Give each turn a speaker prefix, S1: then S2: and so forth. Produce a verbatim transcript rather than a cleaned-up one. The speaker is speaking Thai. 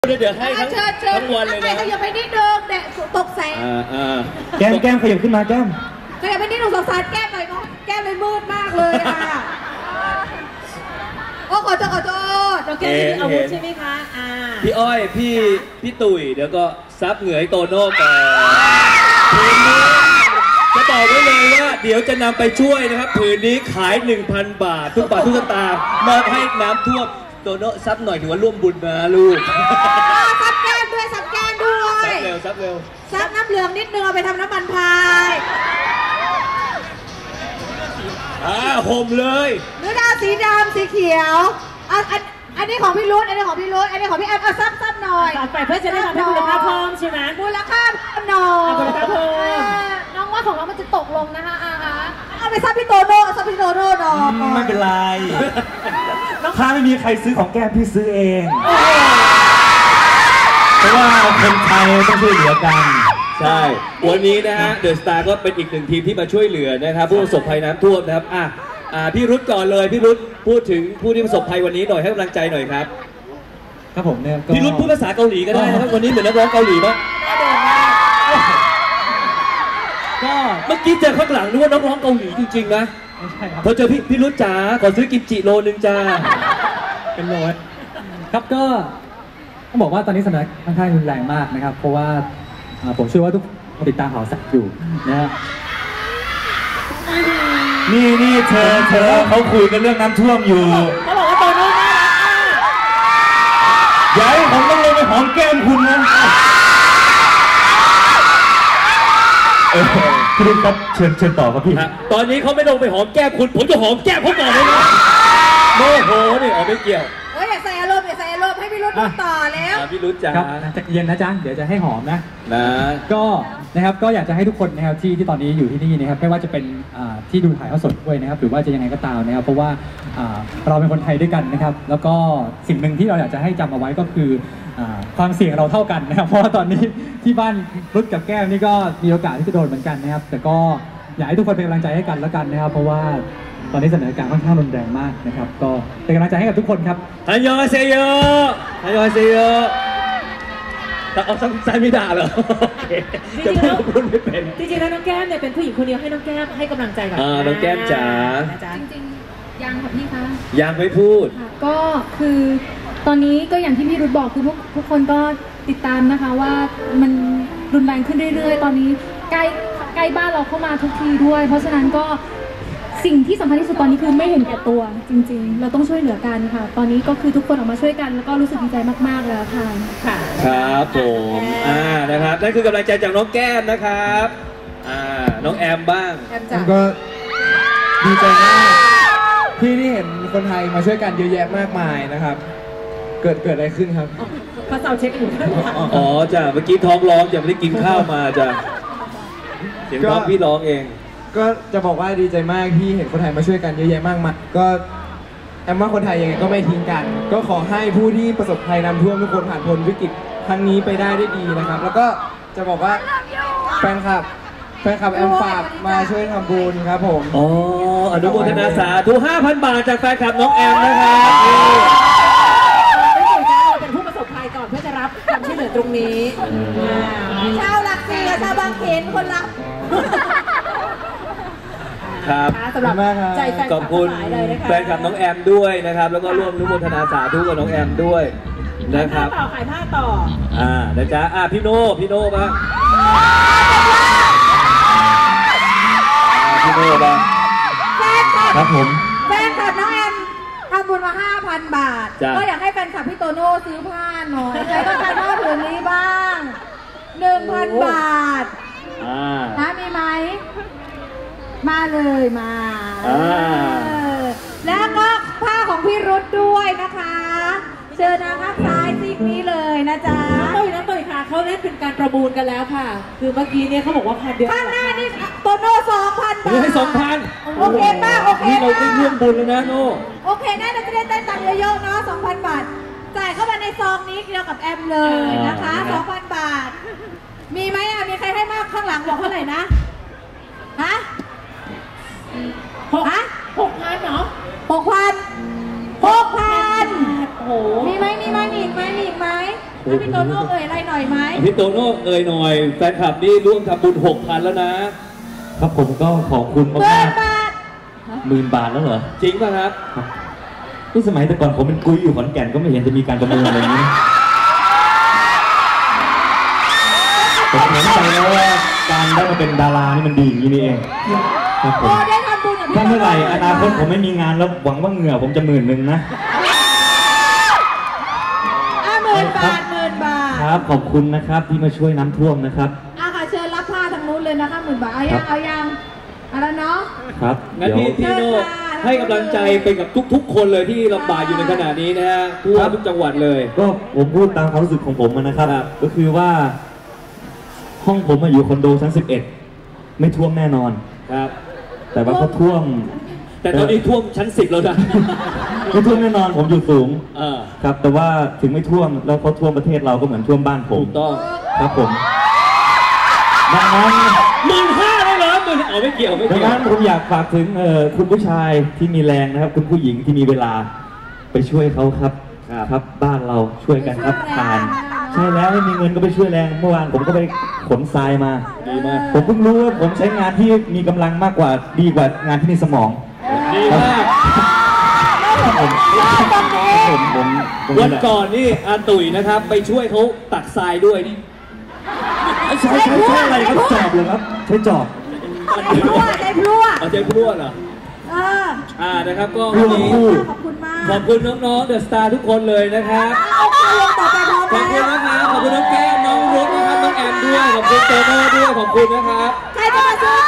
S1: เดี๋ยวให้ทั้งทั้งวันเลยนะ
S2: ขยับไปนิดนึงแดดตกแสง
S3: แก้มแก้มขยับขึ้นมาแก้ม
S2: ขยับไปนิดนึงสงสารแก้มหน่อยเนาะแก้มเลยมืดมากเลยค่ะโอ้ขอโทษขอโทษ
S4: เราแก้มมีอาวุธใช่ไหมคะอ่า
S1: พี่อ้อยพี่พี่ตุ๋ยเดี๋ยวก็ซับเหงื่อให้โตโน่ก่อนผืนนี้จะบอกไว้เลยว่าเดี๋ยวจะนำไปช่วยนะครับผืนนี้ขาย หนึ่งพัน บาททุกบาททุกสตางค์มอบให้น้ำท่วมโตโน่ซับหน่อยถือว่าร่วมบุญนะลูก
S2: ซับแก้มด้วยซับแก้มด้วย
S1: ซับเร็วซับเร็ว
S2: ซับน้ำเหลืองนิดนึงเอาไปทำน้ำมันพาย
S1: อ่าห่มเลย
S2: เนื้อดาวสีดำสีเขียวอันอันนี้ของพี่รุ่นอันนี้ของพี่รุ่นอันนี้ของพี่แอมเอาซับซับหน่อย
S4: ไปเพื่อจะได้ทำให้มูลค่าเพิ่มใช่ไหม
S2: มูลค่าเพิ่มหน่อย
S4: มูลค่าเพิ่ม
S2: น้องว่าของเรามันจะตกลงนะคะอาฮะเอาไปซับพี่โตโน่ซับพี่โตโน่หน่อย
S3: ไม่เป็นไรถ้าไม่มีใครซื้อของแก้มพี่ซื้อเองเพราะว่าคนไทยต้องช่วยเหลือกัน
S1: ใช่วันนี้นะฮะเดอะสตาร์ก็เป็นอีกหนึ่งทีมที่มาช่วยเหลือนะครับผู้ประสบภัยน้ำท่วมนะครับอ่ะอ่าพี่รุธก่อนเลยพี่รุธพูดถึงผู้ที่ประสบภัยวันนี้หน่อยให้กำลังใจหน่อยครับ
S3: ครับผมเนี่ย
S1: พี่รุธพูดภาษาเกาหลีก็ได้นะครับวันนี้เหมือนนักร้องเกาหลีมั้ยก็เมื่อกี้เจอข้างหลังนึกว่านักร้องเกาหลีจริงๆนะพอเจอพี่พี่รุธจ๋าขอซื้อกิมจิโลนึงจ้า
S3: เป็นโลครับก็ต้องบอกว่าตอนนี้สถานการณ์ค่อนข้างรุนแรงมากนะครับเพราะว่าผมเชื่อว่าทุกคนติดตามข่าวสารอยู่นะฮะนี่นี่เธอเธอเขาคุยกันเรื่องน้ำท่วมอยู่
S4: เขาบอกว่าโตโน่น่ารักมาก
S3: อย่าให้ผมต้องลงไปหอมแก้มคุณนะพี่รุ่นครับเชิญเชิญต่อครับพี่
S1: ตอนนี้เขาไม่ลงไปหอมแก้มคุณผมจะหอมแก้มเขาก่อนเลยนะโมโหนี่เอาไม่เกี่ยว
S2: เฮ้ยอย่าใส่อารมณ์อย่าใส่อารมณ์ให้พี่รุ่นต่อแล้ว
S1: พี่รุ่นจ้า
S3: จะเย็นนะจ๊ะเดี๋ยวจะให้หอมนะ
S1: นะ
S3: ก็นะครับก็อยากจะให้ทุกคนนะครับที่ที่ตอนนี้อยู่ที่นี่นะครับไม่ว่าจะเป็นที่ดูถ่ายทอดสดด้วยนะครับหรือว่าจะยังไงก็ตามนะครับเพราะว่าเราเป็นคนไทยด้วยกันนะครับแล้วก็สิ่งหนึ่งที่เราอยากจะให้จำเอาไว้ก็คือความเสี่ยงเราเท่ากันนะครับเพราะว่าตอนนี้ที่บ้านรุ่นกับแก้วนี่ก็มีโอกาสที่จะโดนเหมือนกันนะครับแต่ก็อยากให้ทุกคนเป็นกำลังใจให้กันแล้วกันนะครับเพราะว่าตอนนี้สถานการณ์ค่อนข้างรุนแรงมากนะครับก็เป็นกำลังใจให้กับทุกคนครับ
S1: ฮันยอเซโยฮันยอเซโยแต่เอาใจไม่ด่าเหรอ
S4: จริงๆแล้วไม่เป็นจริงๆแล้วน้องแก้มเนี่ยเป็นผู้หญิงคนเดียวให้น้องแก้มให้กำลังใจกับ
S1: น้องแก้มจ๋า
S5: จริงๆยังค่ะพี่คะ
S1: ยังไม่พูด
S5: ก็คือตอนนี้ก็อย่างที่พี่รุธบอกคือพวกทุกคนก็ติดตามนะคะว่ามันรุนแรงขึ้นเรื่อยๆตอนนี้ใกล้ใกล้บ้านเราเข้ามาทุกทีด้วยเพราะฉะนั้นก็สิ่งที่สำคัญที่สุดตอนนี้คือไม่เห็นแก่ตัวจริงๆเราต้องช่วยเหลือกันค่ะตอนนี้ก็คือทุกคนออกมาช่วยกันแล้วก็รู้สึกดีใจมากๆแล้วค่ะ
S1: ค่ะครับผมอ่านะครับนั่นคือกำลังใจจากน้องแก้มนะครับอ่าน้องแอมบ้าง
S6: ผมก็ดีใจมากที่ได้เห็นคนไทยมาช่วยกันเยอะแยะมากมายนะครับเกิดเกิดอะไรขึ้นครับ
S4: พระเจ้าเช็คอยู่
S1: อ๋อจ้ะเมื่อกี้ท้องร้องยังไม่ได้กินข้าวมาจ้ะเสียงท้องพี่ร้องเอง
S6: ก็จะบอกว่าดีใจมากที่เห็นคนไทยมาช่วยกันเยอะแยะมากมายก็แอมว่าคนไทยยังไงก็ไม่ทิ้งกันก็ขอให้ผู้ที่ประสบภัยน้ำท่วมทุกคนผ่านพ้นวิกฤตครั้งนี้ไปได้ด้วยดีนะครับแล้วก็จะบอกว่าแฟนคลับแฟนคลับแอมฝากมาช่วยทำบุญครับผม
S1: อ๋ออนุโมทนาสาธุ ห้าพัน บาทจากแฟนคลับน้องแอมนะครับ
S4: ไม่ถึงจะเราเป็นผู้ประสบภัยก่อนเพื่อจะรับความช่วยเหลือตรงนี้
S2: ชาวหลักสี่ชาวบางเขนคนรับ
S1: ครับ
S4: สำหรับใจแฟนคลับ
S1: ขอบคุณแฟนคลับน้องแอมด้วยนะครับแล้วก็ร่วมอนุโมทนาสาธุกับน้องแอมด้วยนะครับ
S4: ต่อขายผ้าต่อ
S1: อ่านะจ๊ะอ่าพี่โน่พี่โน่บ้างพี่โน่บ้าง
S3: ครับผม
S2: แฟนคลับน้องแอมทำบุญมา ห้าพัน บาทก็อยากให้แฟนคลับพี่โตโน่ซื้อผ้าหน่อยใครต้องการผ้าผืนนี้บ้าง หนึ่งพัน บาทนะมีไหมมาเลยมาแล้วก็ผ้าของพี่รุธด้วยนะคะเชิญนะข้างซ้ายซีกนี้เลยนะจ๊ะ
S4: ตุ้ยนะตุ้ยค่ะเขาเล่นเป็นการประมูลกันแล้วค่ะคือเมื่อกี้เนี่ยเขาบอกว่าพันเดียว
S2: ข้างหน้านี่โตโน่สองพันบาท
S1: ให้สองพัน
S2: โอเคป้าโอเค
S1: นี่เราได้ร่วมบุญแล้วนะโน่
S2: โอเคน่าจะได้เต้นตังค์เยอะๆเนาะสองพันบาทจ่ายเข้ามาในซองนี้เดียวกับแอมเลยนะคะสองพันบาทมีไหมอ่ะมีใครให้มากข้างหลังบอกเท่าไหร่นะฮะ
S4: หกหกพันเนาะ
S2: หกพันหกพัน
S4: โอ้โห
S2: มีไหมมีไหมมีไหมมีไหมให้พี่โตโน่เอ่ยอะไรหน่อยไหม
S1: พี่โตโน่เอ่ยหน่อยแฟนคลับนี่ร่วมทำบุญหกพันแล้วนะครับ
S7: ผมก็ขอบคุณ
S2: หมื่
S7: มาก
S2: นบาท
S7: ๆหมื่นบาทแล้วเหรอ
S1: จริงป่ะครับ
S7: นี่สมัยแต่ก่อนผมเป็นกุ้ยอยู่ขอนแก่นก็ไม่เห็นจะมีการประมูลอะไรอย่างนี้ผมเห็นใจแล้วว่าการได้มาเป็นดารานี่มันดีอย่างนี้นี่เองครับผม
S2: โอ้ได้ทำบุญกับพี่
S7: ถ้า
S2: โต
S7: เมื่อไหร่
S2: โน่
S7: อนาคตผมไม่มีงานแล้วหวังว่าเหงื่อผมจะหมื่นหนึ่งนะ
S2: อ่ะหมื่นบาทหมื่นบาท
S7: ครับขอบคุณนะครับที่มาช่วยน้ำท่วมนะครับ
S2: อ่ะค่ะเชิญรับผ้าทางนู้นเลยนะคะหมื่นบาทเอายังเอายังเอาแล้วเนาะ
S7: ครับ
S1: งั้น
S7: เดี๋ยว
S1: พี่พี่โน่
S2: เชิญค่ะ
S1: ให้กำลังใจไปกับทุกๆ คนเลยที่ลำบากอยู่ในขณะนี้นะฮะทั่วทุกจังหวัดเลย
S7: ก็ผมพูดตามความรู้สึกของผมนะครับ
S1: ครับ
S7: ก็คือว่า ห้องผมมาอยู่คอนโดชั้นสิบเอ็ดไม่ท่วมแน่นอน
S1: ครับ
S7: แต่ว่าเขาท่วม
S1: แต่ตอนนี้ท่วมชั้นสิบแล้วนะ
S7: ไม่ท่วมแน่นอนผมอยู่สูง
S1: เออ
S7: ครับ แต่ว่าถึงไม่ท่วมแล้วเขาท่วมประเทศเราก็เหมือนท่วมบ้านผม
S1: ถูกต้อง
S7: ครับผมดังนั้น
S1: หมื่นห้าเลยเหรอหมื่นอ๋อไม่เกี่ยวไม่
S7: ดัง
S1: เกี่ยว
S7: นั้นผมอยากฝากถึงเอ่อคุณผู้ชายที่มีแรงนะครับ คุณผู้หญิงที่มีเวลาไปช่วยเขาครับครับ บ้านเราช่วยกันครับทานใช่แล้วไม่มีเงินก็ไปช่วยแรงเมื่อวานผมก็ไปขนทรายมา
S1: ดีมาก
S7: ผมเพิ่งรู้ว่าผมใช้งานที่มีกำลังมากกว่าดีกว่างานที่มีสมอง
S1: ดีมาก
S7: ผมผมผมผม
S1: วันก่อนนี่อาตุ๋ยนะครับ ไปช่วยเขาตักทรายด้วยนี่
S7: ใช้ใช้ใช้อะไรครับจอบเลยครับ ใช้จอบ
S2: ใจพลั่วใจพลั่ว
S1: เอาใจพรวดเหรอ
S2: เออ
S1: อ่านะครับก็
S7: พลั่
S1: วัน
S7: ว
S1: นี้
S7: คู่
S2: ขอบคุณมาก
S1: ขอบคุณน้องๆเดอะสตาร์ทุกคนเลยนะครับ
S2: เอาเอาลงต่อไปพร้อม
S1: ขอบคุณ
S2: แล้ว
S1: นะครับขอบคุณน้องแก้มน้องรุ้นะครับน้องแอมด้วยขอบคุณโตโน่ด้วยขอบคุณนะครับ
S2: ใครจะมาช่วย